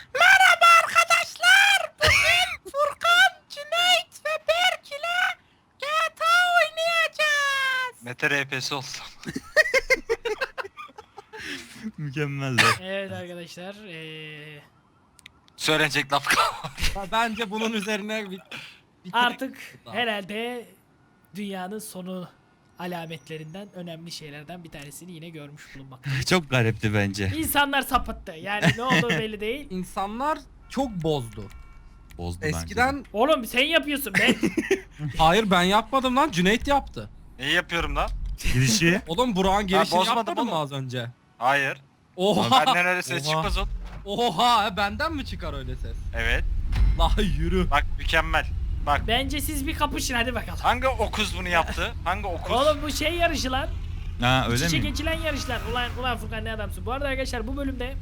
Merhaba arkadaşlar. Bugün Furkan, Cüneyt ve Berk ile GTA oynayacağız. Mete RP'si olsun. Mükemmel de. Evet arkadaşlar. Söylenecek laf kalmadı. Bence bunun üzerine Artık herhalde dünyanın sonu alametlerinden, önemli şeylerden bir tanesini yine görmüş bulunmaktayız. Çok garipti bence. İnsanlar sapıttı. Yani ne olduğu belli değil. insanlar çok bozdu. Bozdu bence. Eskiden Oğlum sen yapıyorsun ben. hayır ben yapmadım lan, Cüneyt yaptı. Neyi yapıyorum lan? Girişi. Oğlum Burak'ın girişini bozmadım yapmadın mı oğlum. az önce? Hayır. Oha. Benden öyle ses Oha. çıkmaz oğlum. Oha, benden mi çıkar öyle ses? Evet. La yürü. Bak mükemmel. Bak. Bence siz bir kapışın hadi bakalım. Hangi okuz bunu yaptı? Hangi okuz? Oğlum bu şey yarışı lan. Ha öyle İç içe mi? geçilen yarışlar. Ulan Furkan ne adamsın. Bu arada arkadaşlar bu bölümde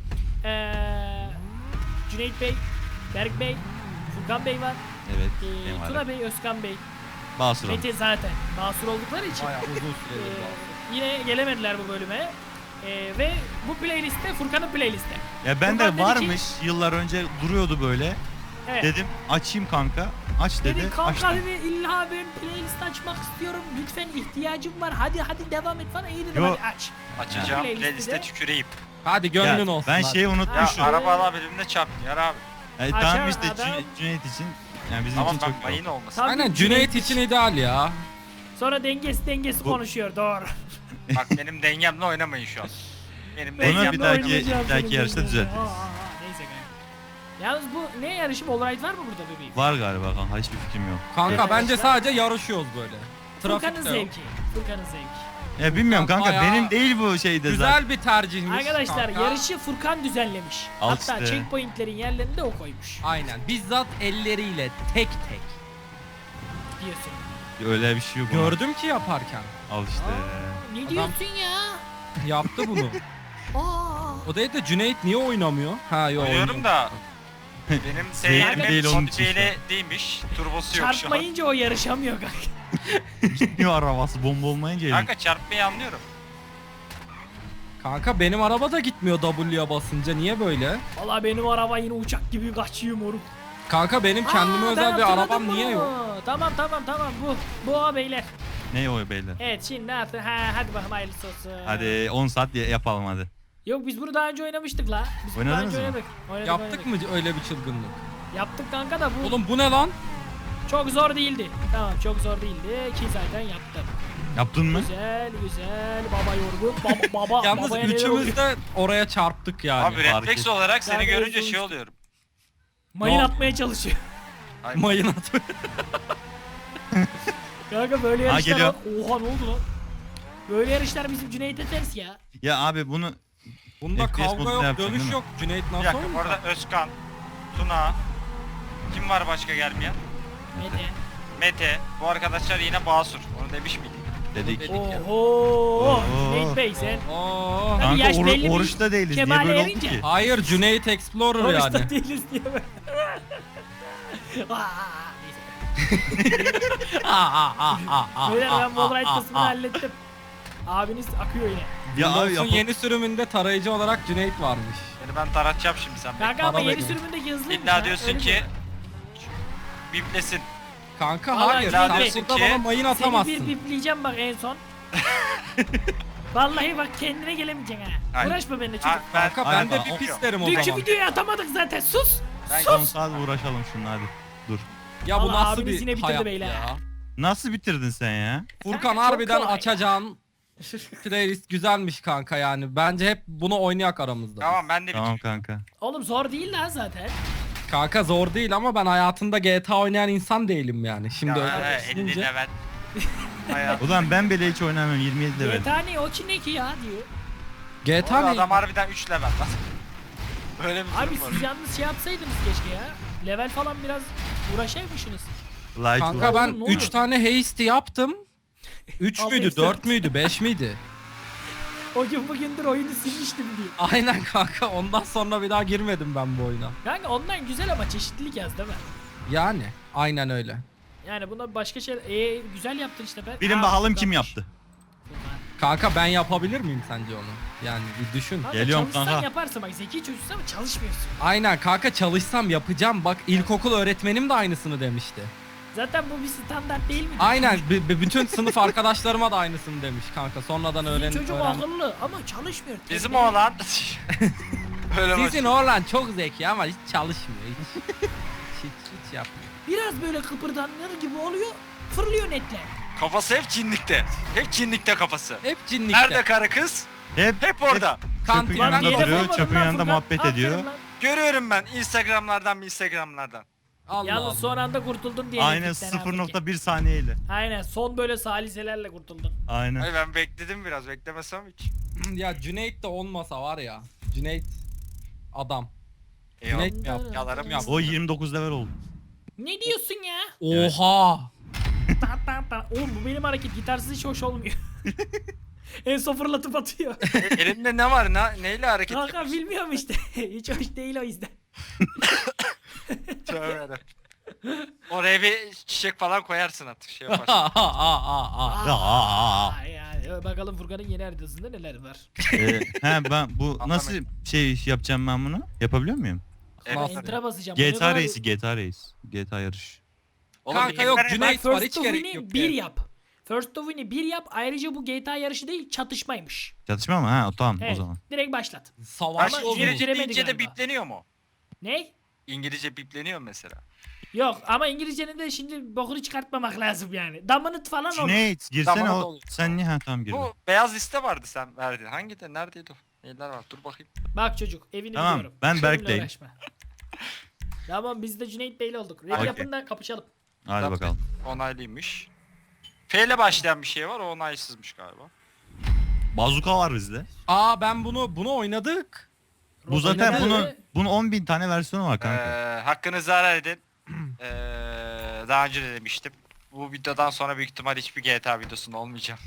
Cüneyt Bey, Berk Bey, Furkan Bey var. Evet. benim Tuna var. Bey, Özkan Bey, Basur Mete zaten basur oldukları için Bayağı uzun süredir var. yine gelemediler bu bölüme. Ve bu playlistte Furkan'ın playlisti. Ya ben Furkan de dedi ki- varmış. Yıllar önce duruyordu böyle. Evet. Dedim açayım kanka. Aç dedi. Dedi kanka Açtım. dedi illa ben playlist açmak istiyorum. Lütfen ihtiyacım var. Hadi devam et falan. İyi dedim Yo. hadi aç. Açacağım Playlistte playliste de- tüküreyim. Hadi gönlün Ya, olsun. ben hadi. şeyi Ya unutmuşum. arabalar birbirine çarpmıyor abi. Açar Tamam işte adam. Cüneyt için. Yani bizim Tamam için bak çok mayın olmasın. Tabii Aynen Cüneyt için ideal ya. Sonra dengesi Bu- konuşuyor doğru. Bak benim dengemle oynamayın şu an. Benim Bunu dengem... bir dahaki- oynayacağım bir dahaki senin yarışta dengenle. düzeltiriz. Neyse kanka. Yalnız bu ne yarışı? Wallride var mı burada bebeğim? Var galiba kanka. Hiçbir fikrim yok. Kanka Evet, bence işte. sadece yarışıyoruz böyle. Furkan'ın Trafik de yok. zevki. Furkan'ın zevki. Ya bilmiyorum kanka. Bayağı Benim değil bu şeyde zaten. Güzel bir tercihmiş Arkadaşlar kanka. yarışı Furkan düzenlemiş. Al Hatta işte. checkpointlerin yerlerini de o koymuş. Aynen bizzat elleriyle tek tek. Diyorsun. Öyle bir şey yok. ama. Gördüm ki yaparken. Al işte. Ne diyorsun ya? Yaptı bunu. Aa. O değil de Cüneyt niye oynamıyor? Ha yok. Oynuyorum da benim Zevkli seyirmem değil onun için modifiyeyle değilmiş. Turbosu yok şu an. Çarpmayınca o yarışamıyor kanka. Gitmiyor arabası bomba olmayınca elin. Kanka çarpmayı anlıyorum. Kanka benim araba da gitmiyor W'ya basınca. Niye böyle? Valla benim araba yine uçak gibi kaçıyor moruk. Kanka benim kendime Aa, özel ben bir hatırladım arabam niye bunu. yok? Tamam bu o beyler. Ne o beyler? Evet şimdi ne yaptın? Hadi bakalım hayırlısı olsun. Hadi 10 saat yapalım hadi. Yok biz bunu daha önce oynamıştık la. Biz bunu daha Oynadınız önce mı? oynadık. Oynadık, Yaptık oynadık. mı öyle bir çılgınlık? Yaptık kanka da bu Oğlum bu ne lan? çok zor değildi. Tamam çok zor değildi ki zaten yaptım. Yaptın mı? Güzel baba yorgun. Baba Yalnız babaya neler oluyor? üçümüz de oraya çarptık yani. Abi fark refleks ettim. olarak seni Ben de görünce uzun- şey oluyorum. Mayın Ne atmaya çalışıyor. Ay, Mayın atıyor. Kanka böyle yarışlar geliyor. Oha ne oldu lan? Böyle yarışlar bizim Cüneyt'e ters ya. Ya abi bunu Bunda FPS kavga modunda yok, yapacaksın, dönüş değil mi? yok. Cüneyt bir nasıl dakika oynayacak? orada Özkan, Tuna, kim var başka gelmeyen? Mete. Mete, bu arkadaşlar yine basur. Onu demiş miydik? dedik. Dedik ya. Oho. Oo. Cüneyt Bey sen. Oo. Tabii Kanka yaş belli bir oruçta değiliz. Niye kemale böyle oldu erince. ki? Hayır Cüneyt Explorer Oruçta yani. değiliz diye böyle. Neyse. Beyler ben Wallride kısmını hallettim. Abiniz akıyor yine. Ya abi Windows'un yeni sürümünde tarayıcı olarak Cüneyt varmış. Seni ben taratacağım şimdi sen. Kanka ama para yeni verin. sürümündeki hızlıymış İlla ha, diyorsun öyle ki diyor. biplesin. Kanka Vallahi hayır Cüneyt sen Bey, burada ki bana mayın Seni atamazsın. bir bipleyeceğim bak en son. Vallahi bak kendine gelemeyeceksin ha. Aynen. Uğraşma benimle Ha, çocuk. ben, Kanka ben de Aynen. bir pis derim o Dünkü zaman. videoyu atamadık zaten sus. Ben 10 saat uğraşalım şununla hadi. Dur. Ya bu Vallahi nasıl abiniz bir yine bitirdi hayat beyler. ya. Nasıl bitirdin sen ya? Furkan Kanka çok harbiden kolay. açacağın playlist güzelmiş kanka yani. Bence hep bunu oynayak aramızda. Tamam ben de Tamam bitireyim. kanka. Oğlum zor değil lan zaten. Kanka zor değil ama ben hayatında GTA oynayan insan değilim yani. Şimdi öyle Ya, düşününce. 50 level. Hayat. Ulan ben bile hiç oynamıyorum 27 level. GTA ne o ki ne ki ya diyor. GTA Oğlum, ne? adam harbiden 3 level lan. Böyle bir Abi durum var. siz yalnız şey yapsaydınız keşke ya. Level falan biraz uğraşaymışsınız. Light Kanka var. ben Oğlum, ne 3 tane haste yaptım. 3 Al müydü, haste 4 müydü, 5 miydi? O gün bugündür oyunu silmiştim diyor. Aynen kanka ondan sonra bir daha girmedim ben bu oyuna. Kanka ondan güzel ama çeşitlilik yaz değil mi? Yani aynen öyle. Yani buna başka şey güzel yaptın işte be. Bilin Aa, bakalım kim Furkan'mış. yaptı. Furkan. Kanka ben yapabilir miyim sence onu? Yani bir düşün. Kanka Geliyorum çalışsan kanka. yaparsın bak, zeki çocuksun ama çalışmıyorsun. Aynen kanka, çalışsam yapacağım. Bak ilkokul öğretmenim de aynısını demişti. Zaten bu bir standart değil mi? Aynen bütün sınıf arkadaşlarıma da aynısını demiş kanka. Sonradan Sizin çocuk öğren. akıllı ama çalışmıyor. Bizim Tembel. oğlan. Öyle Sizin başlıyor. oğlan çok zeki ama hiç çalışmıyor. Hiç yapmıyor. Biraz böyle kıpırdanır gibi oluyor, fırlıyor netle. Kafası hep cinlikte. Hep cinlikte kafası. Hep cinlikte. Nerede karı kız? Hep Orada. çöpün Kantin. Lan yanında yere duruyor, koymadın çöpün lan yanında Furkan. muhabbet Aferin ediyor. lan. Görüyorum ben Instagramlardan. Allah Yalnız Allah. son anda kurtuldun diye. Aynen elektrikten abi ki. 0.1 saniyeyle. Aynen son böyle saliselerle kurtuldun. Aynen. Ay ben bekledim biraz, beklemesem hiç. Ya Cüneyt de olmasa var ya. Cüneyt adam. Eyvallah. Cüneyt mi yaptı? Yalarım yap. O 29 level oldu. Ne diyorsun ya? Oha. Ta ta ta. Oğlum bu benim hareket gitarsız hiç hoş olmuyor. En son fırlatıp atıyor. Elinde ne var? Neyle hareket Kanka yapıyorsun? bilmiyorum işte. Hiç hoş değil o yüzden. Tövbe yarabbim. Oraya bir çiçek falan koyarsın artık, şey yaparsın. Yani bakalım Furkan'ın yeni haritasında neler var. Ben bu nasıl şey yapacağım ben bunu? Yapabiliyor muyum? Ben Evet. enter'a basacağım. Bu ne GTA kadar- Race'i, GTA Race. GTA yarış. Oğlum, Kanka yok, yeter- Cüneyt Bak var, First hiç of gerek Win'i yok. 1 yani. yap. First of Win'i 1 yap. Ayrıca bu GTA yarışı değil, çatışmaymış. Çatışma mı? Ha tamam Evet. o zaman. Direkt başlat. Savaş Ama Ama İngilizce giremedi deyince de galiba. bipleniyor mu? Ne? İngilizce bipleniyor mu mesela? Yok ama İngilizcenin de şimdi bokunu çıkartmamak lazım yani. Dominant falan olur. Cüneyt girsene Tamam, o. olur. Sen niye? Ha tamam girdim. Bu beyaz liste vardı sen verdin. Hangi de neredeydi o? Neler var? Dur bakayım. Bak çocuk evini Tamam, biliyorum. ben Benimle Berk'teyim. uğraşma. Tamam biz de Cüneyt Bey'le olduk. Red Okey. yapın da kapışalım. Hadi Tamam. bakalım. Onaylıymış. F ile başlayan bir şey var, o onaysızmış galiba. Bazuka var bizde. Aa ben bunu oynadık. Bu zaten Rock'n'Roll'de bunun 10.000 tane versiyonu var kanka. Hakkınızı helal edin. Daha önce de demiştim. Bu videodan sonra büyük ihtimal hiçbir GTA videosunda olmayacağım.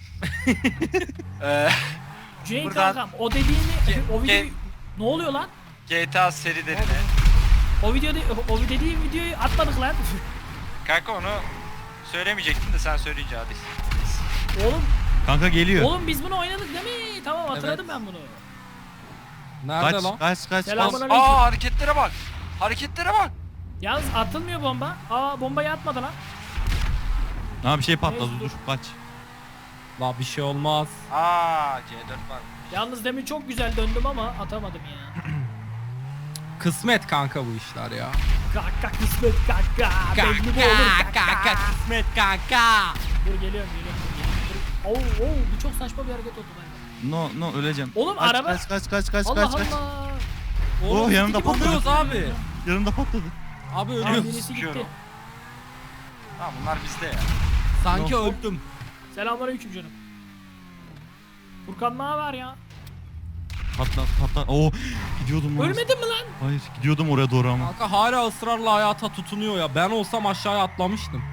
Cüneyt buradan- kankam o dediğini o videoyu ne oluyor lan? GTA serilerine. O dediğin videoyu atmadık lan. Kanka onu söylemeyecektim de sen söyleyince hadi. Kanka geliyor. Oğlum biz bunu oynadık değil mi? Tamam hatırladım ben bunu. Nerede Kaç, lan? kaç. Selamünaleyküm. Hareketlere bak. Hareketlere bak. Yalnız atılmıyor bomba. Bombayı atmadı lan. Ha bir şey patladı Neyse, dur kaç. La bir şey olmaz. C4 var. Yalnız demin çok güzel döndüm ama atamadım ya. Kısmet kanka bu işler ya. Kaka kısmet kaka. Belli mi olur kaka. kısmet kanka. Dur geliyorum. Oo, bu çok saçma bir hareket oldu bende. No öleceğim. Oğlum, kaç, araba- Kaç. Allah Allah. Oh, yanında Oğlum, patladı. ölüyoruz abi. Yanımda patladı. Abi Tamam ölüyoruz. birisi gitti. Sıkıyorum. Tamam bunlar bizde ya. Sanki No. öldüm. Selamünaleyküm canım. Furkan ne haber ya? Patlat. Oo gidiyordum lan. Ölmedin mi lan? Hayır gidiyordum oraya doğru ama. Kanka hala ısrarla hayata tutunuyor ya. Ben olsam aşağıya atlamıştım.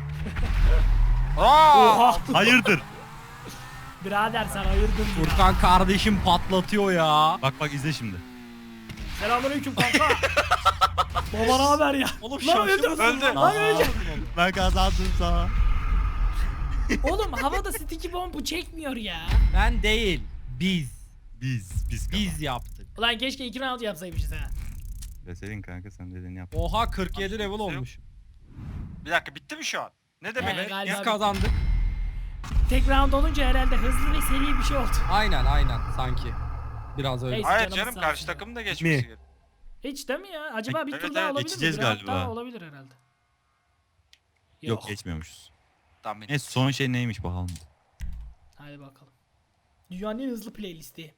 Oha. Hayırdır? Birader sen hayırdır ya. Furkan kardeşim patlatıyor ya. Bak izle şimdi. Selamünaleyküm kanka. Baba ne haber ya? Oğlum Lan öldüm. Öldü. Lan öleceğim. Ben kazandım sana. Oğlum havada sticky bombu çekmiyor ya. Ben değil. Biz. Biz yaptık. Ulan keşke 2 round yapsaymışız ha. Deseydin kanka sen dediğini yap. Oha 47 level olmuş. Bir dakika bitti mi şu an? Ne demek? Evet, galiba Biz bitti. kazandık. Tek round olunca herhalde hızlı ve seri bir şey oldu. Aynen sanki. Biraz öyle. Neyse. Hayır Canımız canım, sağ karşı olsun takım da geçmesi Mi? gerekiyor. Hiç değil mi ya? Acaba bir Evet, tur daha evet, olabilir mi? geçeceğiz Bir round galiba. daha olabilir herhalde. Yok geçmiyormuşuz. Tamam. Neyse son şey neymiş bakalım. Hadi bakalım. Dünyanın en hızlı playlisti.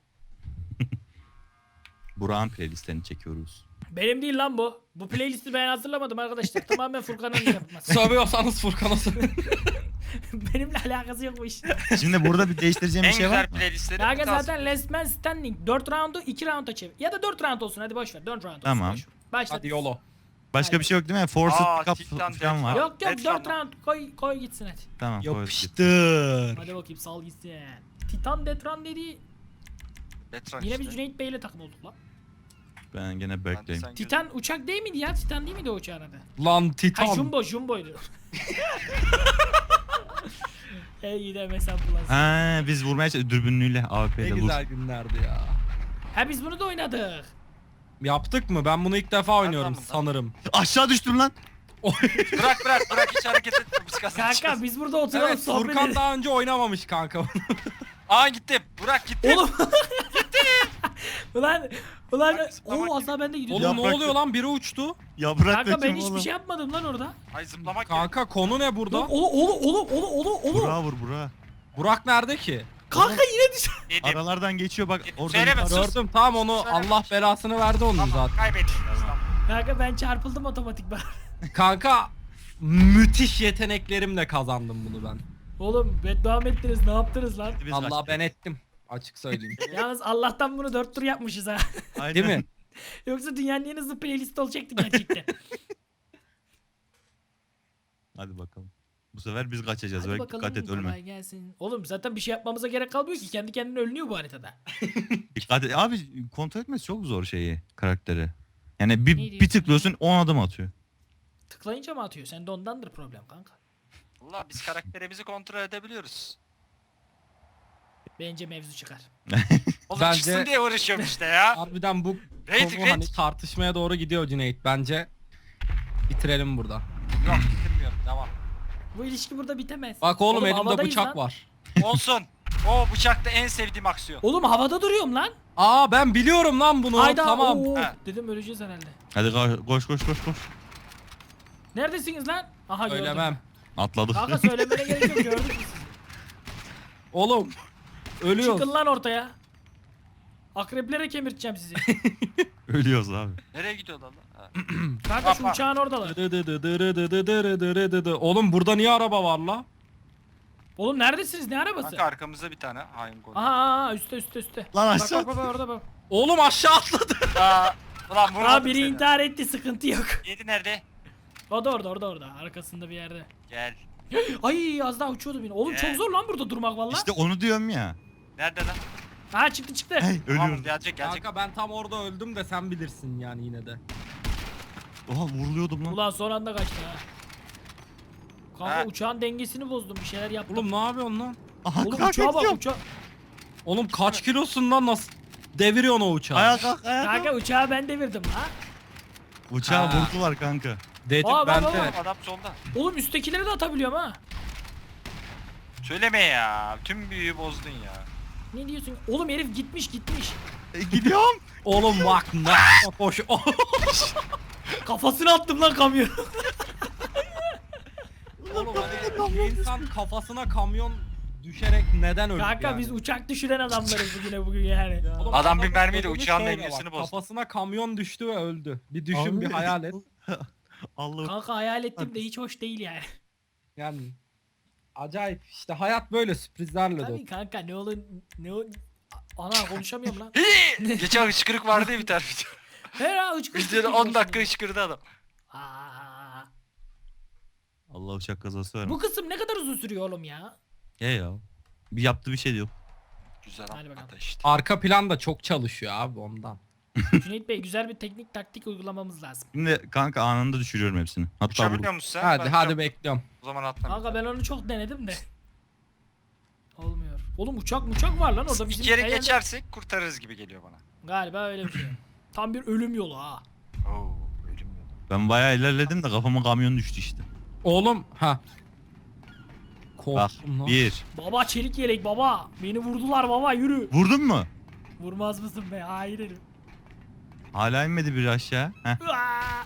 Burak'ın playlistlerini çekiyoruz. Benim değil lan bu. Bu playlisti ben hazırlamadım arkadaşlar. Tamamen Furkan'ın yapması. Sövüyorsanız Furkan'a sövün. Benimle alakası yok bu iş. Şimdi burada bir değiştireceğim En bir şey var güzel mı? playlistleri Kanka lazım. zaten Last Man Standing 4 roundu 2 rounda çevir. Ya da 4 round olsun hadi boş ver. 4 round olsun. Tamam. boş ver. Başla. Hadi yolo. Başka bir şey yok değil mi? Forced Cup Titan falan var. Yok Dead 4 Run. round koy gitsin hadi. Tamam koyduk. Yapıştır. Hadi bakayım sal gitsin. Titan Death Run dediği Detran yine işte. biz Cüneyt Bey'le takım olduk lan. Ben gene Berk'teyim. Sen Titan uçak değil miydi ya? Titan değil miydi o uçağın adı? Lan Ha Titan. Jumbo'ydu. İyi de mesela bulasın. Ha biz vurmaya dürbünlüyle Ne AWP'de vur. güzel günlerdi ya. Ha biz bunu da oynadık. Yaptık mı? Ben bunu ilk defa oynuyorum Nereden sanırım. Aşağı düştüm lan. Bırak hiç hareket etme. Biz kazanacağız. Kanka biz burada oturalım Evet, sohbet Furkan edelim. daha önce oynamamış kanka. Aa gitti. Burak gitti. Oğlum. ulan Bak, zıplamak o asla ben de gidiyorum. Oğlum ne Yaprak- oluyor lan? Biri uçtu. Ya bırak Kanka ben bakayım hiçbir oğlum. şey yapmadım lan orada. Ay zıplamak gerek. Kanka konu ne burada? Oğlum. Burak'a vur Burak'a. Burak nerede ki? Kanka yine düş. Yedim. Aralardan geçiyor bak orada. Söyleme, yukarı- sus. Gördüm tamam onu Söyle. Allah belasını verdi onun Tamam zaten. kaybettik. Tamam. Kanka ben çarpıldım otomatik ben. Kanka müthiş yeteneklerimle kazandım bunu ben. Oğlum beddua mı ettiniz ne yaptınız lan? Biz Allah kaçtık. ben ettim. Açık söyleyeyim. Yalnız Allah'tan bunu 4 tur yapmışız ha. Aynen. Değil mi? Yoksa dünyanın en hızlı playlist olacaktı gerçekten. Hadi bakalım. Bu sefer biz kaçacağız. Hadi Böyle bakalım dikkat et ölme. kolay gelsin. Oğlum zaten bir şey yapmamıza gerek kalmıyor ki. Kendi kendine ölünüyor bu haritada. Dikkat et. Abi kontrol etmesi çok zor şeyi karakteri. Yani Ne bir diyorsun tıklıyorsun 10 adım atıyor. Tıklayınca mı atıyor? Sende ondandır problem kanka. Valla biz karakterimizi kontrol edebiliyoruz. Bence mevzu çıkar. Oğlum Bence- çıksın diye uğraşıyorum işte ya. Harbiden bu Rating, konu hani rating. tartışmaya doğru gidiyor Cüneyt. Bence bitirelim burada. Yok bitirmiyorum devam. Bu ilişki burada bitemez. Bak oğlum elimde havadayız bıçak lan. var. Olsun. O bıçakta en sevdiğim aksiyon. Oğlum havada duruyorum lan. Aa ben biliyorum lan bunu. Hayda. Tamam. Oo. Ha. Dedim öleceğiz herhalde. Hadi koş. Neredesiniz lan? Aha gördüm. Söylemem. Atladık. Kanka söylemene gerek yok gördük biz sizi. Oğlum ölüyoruz. Çıkın lan ortaya. Akreplere kemirteceğim sizi. Ölüyoruz abi. Nereye gidiyor lan? Ha. Kanka şu Bak. uçağın oradalar. Oğlum burada niye araba var la? Oğlum neredesiniz? Ne arabası? Kanka arkamızda bir tane hain gol. Aha üstte. Lan Bak aşağı. bak orada bak. Oğlum aşağı atladı. Aa, ulan Aa vurmadım biri seni. intihar etti sıkıntı yok. Yedi nerede? O da orada arkasında bir yerde. Gel. Ay az daha uçuyordu beni. Oğlum çok zor lan burada durmak valla. İşte onu diyorum ya. Nerede lan? Ha çıktı. Hey Tamam ölüyoruz. gelecek. Kanka ben tam orada öldüm de sen bilirsin yani yine de. Oha vuruluyordum lan. Ulan son anda kaçtı ha. Kanka Ha. uçağın dengesini bozdum bir şeyler yaptım. Oğlum ne yapıyorsun lan? Aha Oğlum kalk uçağa bak gidiyorum. uçağa. Oğlum kaç kilosun lan nasıl deviriyorsun o uçağı? Ayağa kalk ayağa kalk. Kanka uçağı ben devirdim ha. Uçağı Ha. vurdular kanka. Dedim Aa, ben bak, de. bak, Adam solda. Oğlum üsttekileri de atabiliyorum ha. Söyleme ya. Tüm büyüyü bozdun ya. Ne diyorsun? Oğlum herif gitmiş. Gidiyorum. Oğlum bak ne? Hoş. Kafasına attım lan kamyon. Oğlum hani bir insan kafasına kamyon düşerek neden öldü Kanka yani? biz uçak düşüren adamlarız bugün yani. Oğlum, Adam bir adamın mermiyle öldüğünü uçağın şöyle dengesini bak, bozdu. Kafasına kamyon düştü ve öldü. Bir düşün Abi. bir hayal et. Allah. Kanka hayal ettim de hiç hoş değil yani. Yani acayip işte hayat böyle sürprizlerle dolu. Tabii kanka ne olur ne o... Ana konuşamıyorum lan. Geçen hıçkırık vardı ya bir tane video. He ya üç kız. Videoda 10 dakika hıçkırdı adam. Aa, Allah uçak kazası vermiş. bu kısım ne kadar uzun sürüyor oğlum ya? Ya. Bir yaptığı bir şey diyor. Güzel Hadi bakalım. anlattı işte. Arka plan da çok çalışıyor abi ondan. Cüneyt Bey güzel bir teknik taktik uygulamamız lazım. Şimdi kanka anında düşürüyorum hepsini. Hatta Uçabiliyor musun sen? Hadi Ben hadi uçam- bekliyorum. O zaman atla. Kanka ben onu çok denedim de. Olmuyor. Oğlum uçak var lan orada bizim Bir kere hayalde- geçersek kurtarırız gibi geliyor bana. Galiba öyle bir şey. Tam bir ölüm yolu ha. Oo, ölüm yolu. ben bayağı ilerledim de kafama kamyon düştü işte. Oğlum ha. Bak Korktum lan. 1. Baba çelik yelek baba. Beni vurdular baba yürü. Vurdun mu? Vurmaz mısın be? Hayır herif. Hala inmedi bir aşağı. Heh. Uaa!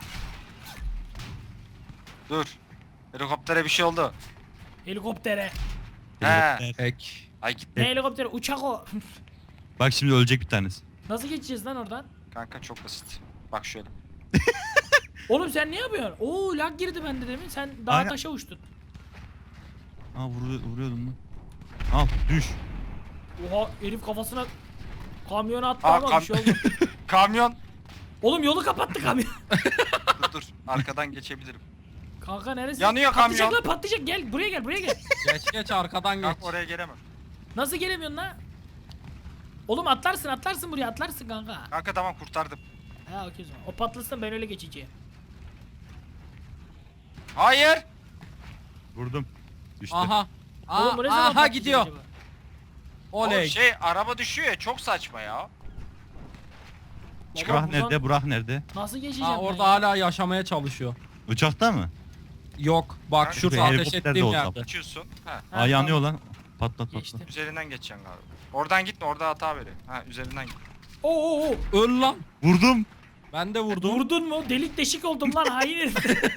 Dur. Helikoptere bir şey oldu. Helikoptere. He. Ek. Ay gitti. Ne helikopteri? Uçak o. Bak şimdi ölecek bir tanesi. Nasıl geçeceğiz lan oradan? Kanka çok basit. Bak şöyle. Oğlum sen ne yapıyorsun? Oo lag girdi bende demin. Sen dağa Aynen. taşa uçtun. Aa vuruyordum lan. Al düş. Oha herif kafasına kamyonu attı Aa, ama bir şey oldu. Kamyon. Oğlum yolu kapattı kamyon. Dur. Arkadan geçebilirim. Kanka neresi? Yanıyor Patlayacak kamyon. lan patlayacak gel buraya gel. Geç arkadan geç. Kanka oraya gelemem. Nasıl gelemiyorsun lan? Oğlum atlarsın buraya atlarsın kanka. Kanka tamam kurtardım. Ha okey o zaman. O patlasın ben öyle geçeceğim. Hayır. Vurdum. Düştü. Aha. Oğlum bu ne zaman Aha patlayacak gidiyor. acaba? Oley. Araba düşüyor ya, çok saçma ya. Baba, Burak buradan nerede? Burak nerede? Nasıl geçeceğim Ha, ben orada ya? hala yaşamaya çalışıyor. Uçakta mı? Yok bak Kanka, şurada bir ateş helikopter de ettiğim olsa. yerde. Uçuyorsun. Ha. Ha, Aa yanıyor tamam. lan. Patlat Geçtim. patlat. Üzerinden geçeceksin galiba. Oradan gitme, orada hata veriyor. Ha, üzerinden git. Oo. Öl lan. Vurdum. Ben de vurdum. Vurdun mu? Delik deşik oldum lan hayır.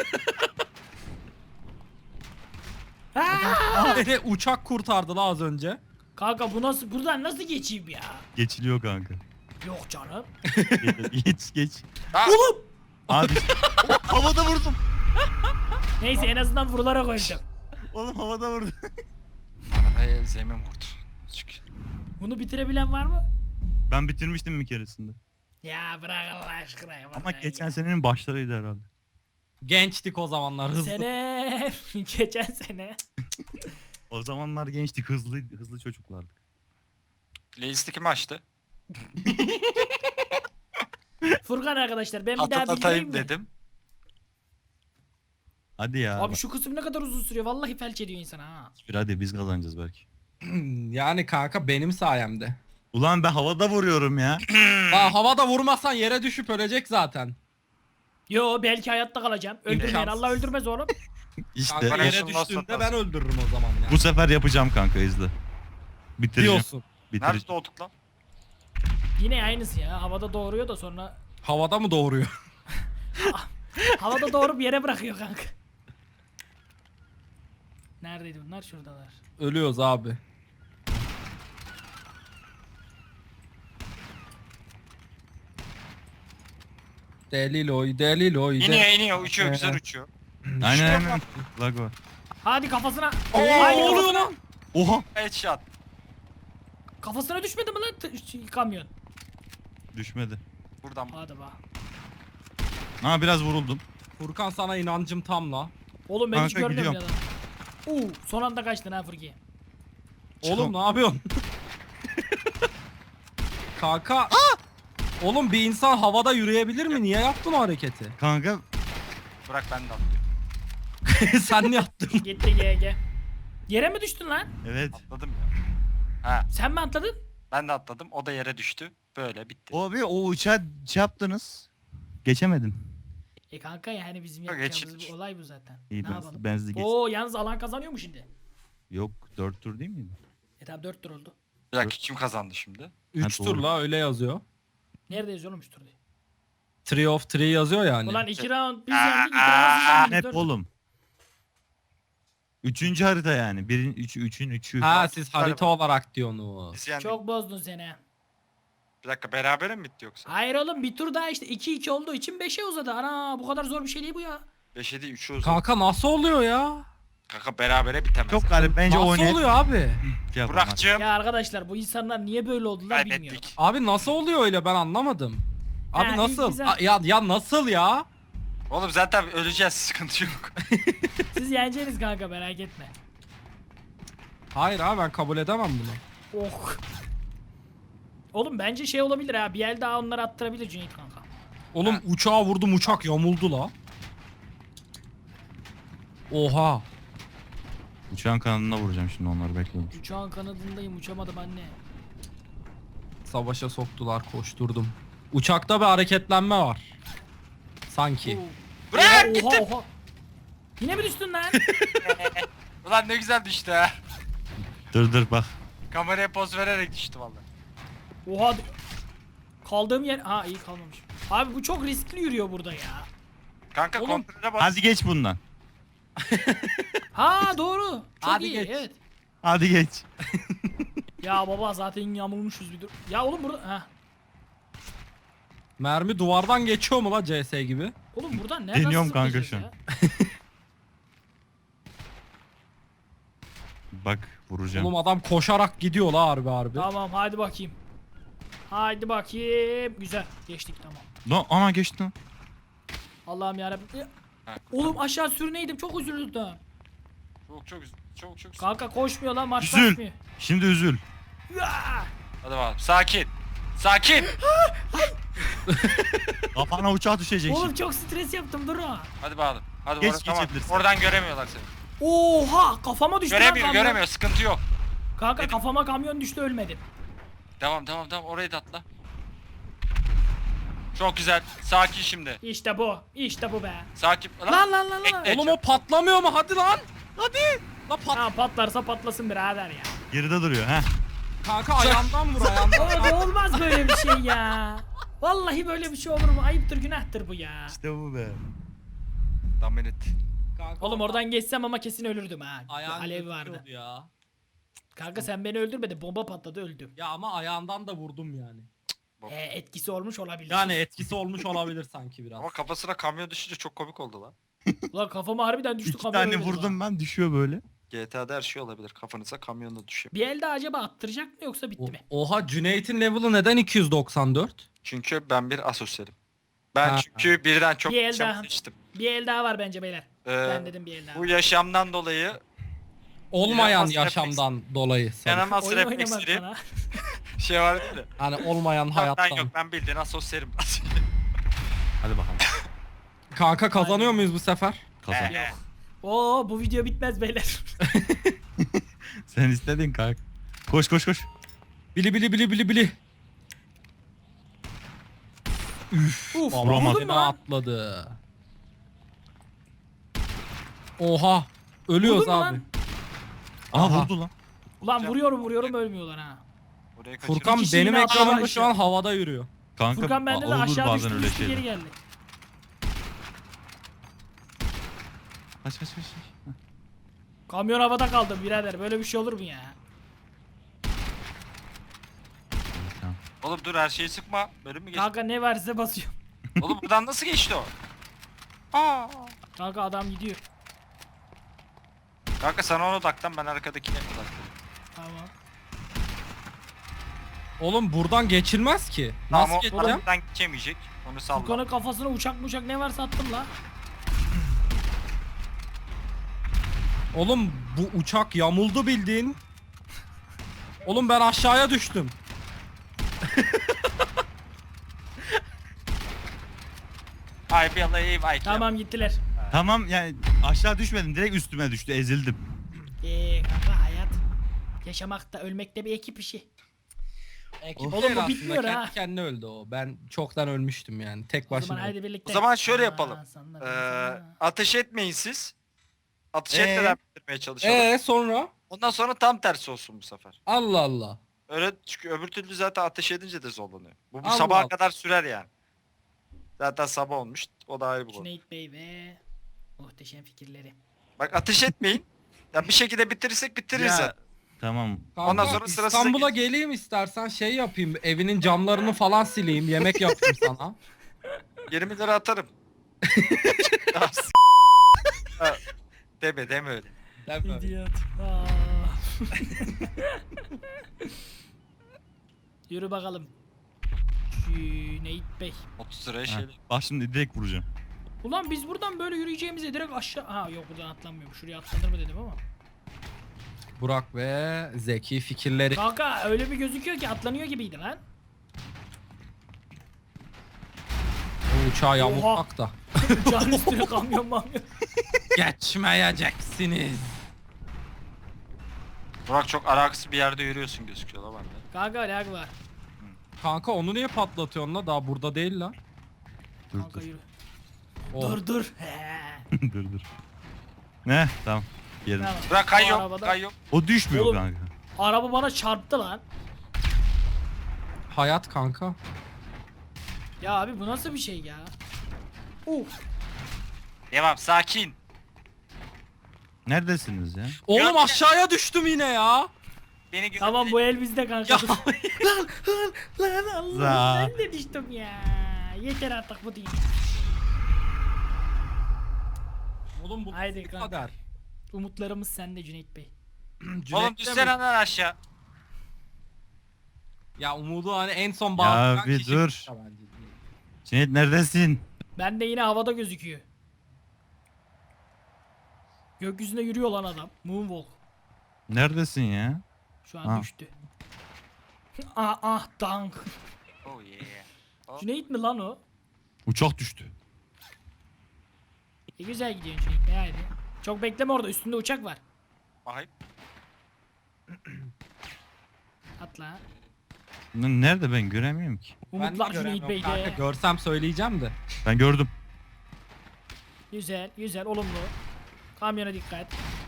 Beni uçak kurtardı la az önce. Kanka bu nasıl, buradan nasıl geçeyim ya? Geçiliyor kanka. Yok canım. Geç. Ha, Oğlum. Abi. Havada vurdum. Neyse en azından vurularak koyacağım. Oğlum havada vurdum. arabaya zemin vurdu. Çık. Bunu bitirebilen var mı? Ben bitirmiştim bir keresinde. Ya bırak Allah aşkına ya. Ama bırak geçen ya. senenin başlarıydı herhalde. Gençtik o zamanlar hızlı. Sene. Geçen sene. O zamanlar gençtik, hızlı çocuklardık. Playlist'i kim açtı? Furkan arkadaşlar ben bir daha bildireyim Hatırlatayım mi? dedim. Hadi ya. Abi şu kısım ne kadar uzun sürüyor. Vallahi felç ediyor insana ha. Hadi biz kazanacağız belki. Yani kanka benim sayemde. Ulan ben havada vuruyorum ya. Daha havada vurmazsan yere düşüp ölecek zaten. Yo belki hayatta kalacağım. Öldürmeyen İmkansız. Allah öldürmez oğlum. İşte Kanka Bana yere şunu nasıl düştüğünde atarsın? ben öldürürüm o zaman ya. bu sefer yapacağım kanka, izle. Bitireceğim. Diyorsun. Nerede Bitireceğim. doğduk lan? Yine aynısı ya. Havada doğuruyor da sonra Havada mı doğuruyor? havada doğurup yere bırakıyor kanka. Neredeydi bunlar? Şuradalar. Ölüyoruz abi. Deliloy. İniyor, uçuyor, güzel uçuyor. Aynen. Lag var. Hadi kafasına. Oo, Haydi ne oluyor kafasına. lan? Oha. Headshot. Kafasına düşmedi mi lan kamyon? Düşmedi. Buradan. Hadi bak. Ha biraz vuruldum. Furkan sana inancım tam la. Oğlum ben hiç Kanka, görmüyorum ya lan. Son anda kaçtın ha Furki. Oğlum ne yapıyorsun? Kanka. Oğlum bir insan havada yürüyebilir mi? Niye yaptın o hareketi? Kanka Bırak, ben de atlıyorum. Sen ne yaptın? Gitti GG. Yere mi düştün lan? evet. Atladım ya. Ha, Sen mi atladın? ben de atladım. O da yere düştü. Böyle bitti. Abi o uçağı şey yaptınız. Geçemedim. Kanka yani bizim Yok, yapacağımız geçilmiş. bir olay bu zaten. İyi Ne yapalım? ben sizi geç. Oo yalnız alan kazanıyor mu şimdi? Yok 4 tur değil miydi? Tamam 4 tur oldu. Bir dakika, kim kazandı şimdi? 3 Ha, tur doğru. la öyle yazıyor. Nerede yazıyor oğlum 3 tur diye. 3 of 3 yazıyor yani. Ulan 2 round biz yendik 2 round siz yendiniz. Hep 4 oğlum. Üçüncü harita yani. Birin üçün üçü. Ha siz harita olarak diyorsunuz. Biz yendik. Çok bozdun seni. Bir dakika, berabere mi bitti yoksa? Hayır oğlum bir tur daha işte 2-2 olduğu için 5'e uzadı. Ana bu kadar zor bir şey değil bu ya. 5'e değil, 3'e uzun. Kanka nasıl oluyor ya? Kanka berabere bitemez. Çok garip bence Nasıl oynayıp oluyor abi? şey yapalım. Burak'cığım. Ya arkadaşlar bu insanlar niye böyle oldular bilmiyorum. Kaybettik. Abi nasıl oluyor öyle ben anlamadım. Abi Ha, nasıl? güzel. Ya nasıl ya? Oğlum zaten öleceğiz, sıkıntı yok. Siz yeneceğiniz kanka merak etme. Hayır abi ben kabul edemem bunu. Oh. Oğlum bence şey olabilir ha bir el daha onları attırabilir Cüneyt kanka. Oğlum Ha. uçağa vurdum uçak yamuldu la. Oha. Uçağın kanadına vuracağım şimdi onları, bekliyorum. Uçağın kanadındayım uçamadım anne. Savaşa soktular koşturdum. Uçakta bir hareketlenme var. Sanki. Oo. Bırak, Oha, gittim. oha. Yine mi düştün lan? Ulan ne güzel düştü ha. Dur bak. Kameraya poz vererek düştü vallahi. Oha. Kaldığım yer... Ha iyi kalmamış. Abi bu çok riskli yürüyor burada ya. Kanka Oğlum. kontrole bas. Hadi geç bundan. Ha doğru. Çok Hadi iyi geç. evet. Hadi geç. Ya baba zaten yamulmuşuz bir dur. Ya oğlum burada... Ha. Mermi duvardan geçiyor mu la CS gibi? Oğlum buradan nereden Deniyorum kanka zıplayacağız şu an. ya? Bak vuracağım. Oğlum adam koşarak gidiyor la harbi. Tamam hadi bakayım. Haydi bakayım. Güzel geçtik tamam. Lan ana geçti lan. Allah'ım yarabbim. Ha. Oğlum aşağı sürüneydim çok üzüldüm. Çok. Kanka koşmuyor lan marş Üzül. basmıyor. Şimdi üzül. Ya! Hadi bakalım. Sakin. Sakin. Kafana uçağı düşecek Oğlum şimdi. çok stres yaptım dur ha. Hadi bakalım. Hadi Geç, tamam. geçebilirsin. Oradan göremiyorlar seni. Oha kafama düştü lan Göremiyor kamyon. göremiyor sıkıntı yok. Kanka Dedim. kafama kamyon düştü ölmedim. Devam orayı da atla. Çok güzel. Sakin şimdi. İşte bu. İşte bu be. Sakin. Lan. Bekle. Oğlum o patlamıyor mu? Hadi lan. Hadi. La Ha patlarsa patlasın birader ya. Geride duruyor ha. Kanka ayağımdan vur ayağımdan. Oğlum olmaz böyle bir şey ya. Vallahi böyle bir şey olur mu? Ayıptır günahtır bu ya. İşte bu be. Dominit. Kanka, Oğlum oradan geçsem ama kesin ölürdüm ha. ayağın Alev gözüküyordu vardı. Ya. Kanka sen beni öldürmedin. Bomba patladı öldüm. Ya ama ayağından da vurdum yani. Etkisi olmuş olabilir. Yani etkisi olmuş olabilir sanki biraz. Ama kafasına kamyon düşünce çok komik oldu lan. Ulan kafama harbiden düştü 2 kamyon tane ölmedim vurdum ha. ben düşüyor böyle. GTA'da her şey olabilir. Kafanıza kamyonla düşüyor. Bir elde acaba attıracak mı yoksa bitti mi? Oha Cüneyt'in level'ı neden 294? Çünkü ben bir asosyalim. Ben Ha. çünkü birden çok Bir el yaşam daha. seçtim. Bir el daha var bence beyler. Ee, Ben dedim bir el daha. Bu yaşamdan dolayı Olmayan İnanılmaz yaşamdan dolayı. sanırım. inanılmaz Oyun oynamak reflekslerim bana. şey var değil mi? Hani olmayan Yok, hayattan. ben yok ben bildiğin asosyalim. Hadi bakalım. Kanka kazanıyor muyuz bu sefer? Kazan. Yok. Oo bu video bitmez beyler. Sen istedin kanka. Koş. Bili bili. Uf vuramadım vurdun mu lan? atladı. Oha. Ölüyoruz Vurdun mu abi. lan? Aha Aha. vurdu lan. Ulan vuruyorum ölmüyorlar ha. Orayı kaçırdım. Furkan kişi benim yine ekranımda aşağı şu an havada yürüyor. Kanka Furkan bende de olur aşağı bazen düştü öyle düştü geri şeyler. geldi. Kaç. Kamyon havada kaldı birader böyle bir şey olur mu ya? Tamam. Oğlum dur her şeyi sıkma. Bölüm mü geçti? Kanka ne varsa basıyor. Oğlum buradan nasıl geçti o? Aa. Kanka adam gidiyor. Kanka sen ona odaklan ben arkadakine odaklanayım. Tamam. Oğlum buradan geçilmez ki. Tamam Nasıl o geçeceğim? aradan geçemeyecek. Onu salla. Furkan'ın kafasına uçak ne varsa attım la. Oğlum bu uçak yamuldu bildiğin. Oğlum ben aşağıya düştüm. Ay bir alayım ay. Tamam gittiler. Tamam yani aşağı düşmedim direkt üstüme düştü ezildim. Kanka hayat. Yaşamakta ölmekte bir ekip işi. Ekip Oğlum bu değil aslında, bitmiyor kendi ha. kendine öldü o. Ben çoktan ölmüştüm yani. Tek O zaman başına. haydi birlikte. O zaman şöyle Aa, yapalım. sana. Ateş etmeyin siz. Ateş etmeden bitirmeye çalışalım. Sonra? Ondan sonra tam tersi olsun bu sefer. Allah Allah. Öyle çünkü öbür türlü zaten ateş edince de zorlanıyor. Bu Allah sabaha Allah. kadar sürer yani. Zaten sabah olmuş. O da ayrı bir konu. Cüneyt Bey ve muhteşem fikirleri. Bak ateş etmeyin. Ya bir şekilde bitirirsek bitiririz Ya, zaten. tamam. Kanka, Ondan sonra sırasına İstanbul'a geleyim istersen şey yapayım. Evinin camlarını falan sileyim. Yemek yapayım sana. 20 lira atarım. Ya, ha, deme öyle. Deme. İdiot. Yürü bakalım. Cüneyt Bey. 30 liraya Ha, şey. bak şimdi direkt vuracağım. Ulan biz buradan böyle yürüyeceğimize direkt aşağı... Ha yok buradan atlanmıyorum. Şuraya atlanır mı dedim ama. Burak ve Zeki fikirleri. Kanka öyle bir gözüküyor ki atlanıyor gibiydi lan. O uçağı yamultmak da. Uçağın üstüne kamyon. Geçmeyeceksiniz. Burak çok alakasız bir yerde yürüyorsun gözüküyor la bende. Kanka lag var. Kanka onu niye patlatıyorsun la? Daha burada değil la. Dur Kanka dur. yürü. Oh. Dur. He. dur. Ne? Tamam. Yerim. Tamam. Burak Bu kayıyor. arabada- Kayıyor. O düşmüyor Oğlum. kanka. Araba bana çarptı lan. Hayat kanka. Ya abi bu nasıl bir şey ya? Uf. Devam sakin. Neredesiniz ya? Oğlum Yok. aşağıya düştüm yine ya. Beni güzel. Tamam bu el bizde kanka. Ya. Dur. lan Allah Za. ben de düştüm ya. Yeter artık bu değil. Oğlum bu Haydi nasıl kanka. kader? Umutlarımız sende Cüneyt Bey. Oğlum Cüneyt'le düşsene mi? lan aşağı. Ya umudu hani en son bağlayan bir kişi dur. bu bence. Cüneyt neredesin? Ben de yine havada gözüküyor. Gökyüzünde yürüyor lan adam. Moonwalk. Neredesin ya? Şu an Ha. düştü. Dank. Oh yeah. Cüneyt mi lan o? Uçak düştü. Güzel gidiyorsun Cüneyt Bey haydi. Çok bekleme orada, üstünde uçak var. Bakayım. Atla. Lan nerede ben göremiyorum ki. Ben de Umutlar Cüneyt göremiyorum Bey'de. kanka, görsem söyleyeceğim de. Ben gördüm. Güzel, güzel, olumlu. Kamyona dikkat.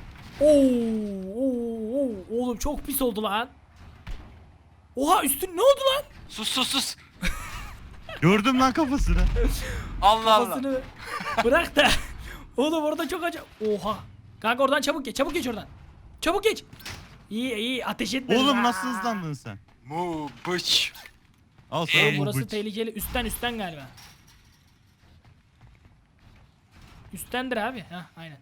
Oo, oğlum çok pis oldu lan. Oha, üstün ne oldu lan? Sus. Gördüm lan kafasını. Allah Allah. Kafasını bırak da. Oğlum orada çok acı. Oha. Kanka oradan çabuk geç oradan. Çabuk geç. İyi ateş etme. Oğlum nasıl hızlandın sen? Mu bıç. Al sana Oğlum bu burası bıç. tehlikeli. Üstten galiba. Üsttendir abi. Hah, aynen.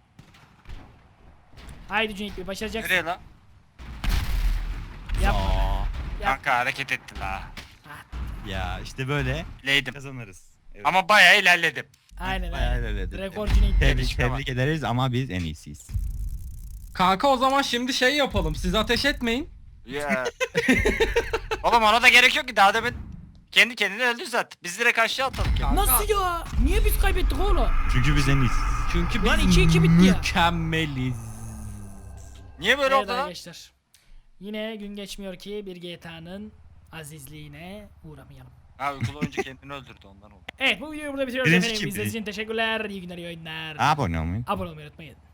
Haydi Cüneyt Bey, başaracaksın. Nereye lan? Yapma. Aa, Yap. Kanka hareket etti la. ya işte böyle Leydim. kazanırız. Evet. Ama bayağı ilerledim. Aynen Bayağı aynen. ilerledin. Rekor Cüneyt Bey. Tebrik ederiz ama biz en iyisiyiz. Kanka o zaman şimdi şey yapalım. Siz ateş etmeyin. Ya. Oğlum ona da gerek yok ki, daha demin kendi kendine öldü zaten. Biz direkt aşağı atalım kendini. Nasıl ya? Niye biz kaybettik oğlum? Çünkü biz en iyisiyiz. Çünkü Lan biz 2-2 bitti ya. mükemmeliz. Niye böyle Evet oldu lan? arkadaşlar. Yine gün geçmiyor ki bir GTA'nın azizliğine uğramayalım. Ha, uykulu oyuncu kendini öldürdü, ondan oldu. Evet, bu videoyu burada bitiriyoruz Birinci efendim. kim? İzlediğiniz için teşekkürler. İyi günler, iyi oyunlar. Abone olmayın. Abone olmayı unutmayın.